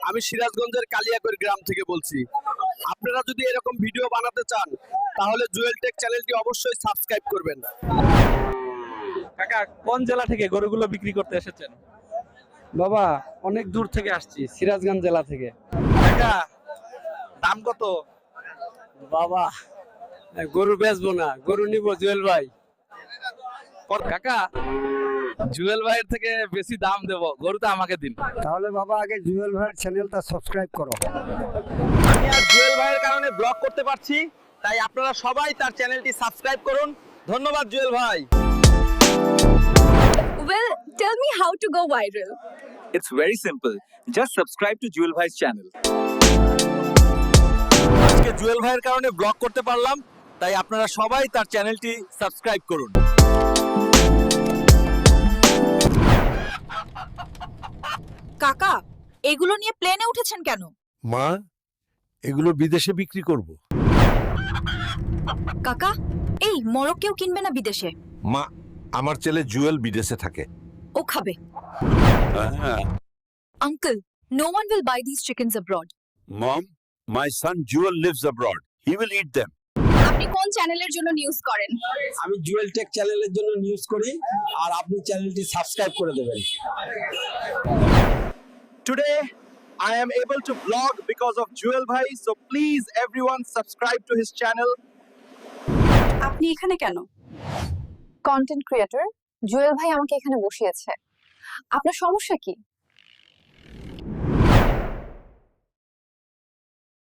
আমি সিরাজগঞ্জের কালিয়াকৈর গ্রাম থেকে বলছি। আপনারা যদি এরকম ভিডিও বানাতে চান তাহলে জুয়েল টেক চ্যানেলটি অবশ্যই সাবস্ক্রাইব করবেন। কাকা কোন জেলা থেকে গরুগুলো বিক্রি করতে এসেছেন? বাবা অনেক দূর থেকে আসছি, সিরাজগঞ্জ জেলা থেকে। কাকা দাম কত? বাবা গরু বেচবো না, গরু নিব জুয়েল ভাই। কাকা জুয়েল ভাইয়ের থেকে বেশি দাম দেব, গরুটা আমাকে দিন। তাহলে বাবা আগে জুয়েল ভাইয়ের চ্যানেলটা সাবস্ক্রাইব করো। আমি আর জুয়েল ভাইয়ের কারণে ব্লগ করতে পারছি, তাই আপনারা সবাই তার চ্যানেলটি সাবস্ক্রাইব করুন। ধন্যবাদ জুয়েল ভাই। Well, tell me how to go viral. It's very simple. Just subscribe to Jewel Bhai's channel. আজকে জুয়েল ভাইয়ের কারণে ব্লগ করতে পারলাম, তাই আপনারা সবাই তার চ্যানেলটি সাবস্ক্রাইব করুন। কাকা, এগুলো নিয়ে প্লেনে উঠেছেন কেন? মা, এগুলো বিদেশে বিক্রি করব। কাকা, এই মরক কেউ কিনবে না বিদেশে। মা, আমার ছেলে জুয়েল বিদেশে থাকে। ও খাবে। Uncle, no one will buy these chickens abroad. Mom, my son Jewel lives abroad. He will eat them. আপনি কোন চ্যানেলের জন্য নিউজ করেন? আমি জুয়েল টেক চ্যানেলের জন্য নিউজ করি, আর আপনি চ্যানেলটি সাবস্ক্রাইব করে দেবেন। Today I am able to vlog because of Jewel Bhai, so please everyone subscribe to his channel. আপনি এখানে কেন? কন্টেন্ট ক্রিয়েটর জুয়েল ভাই আমাকে এখানে বসিয়েছে। আপনার সমস্যা কি?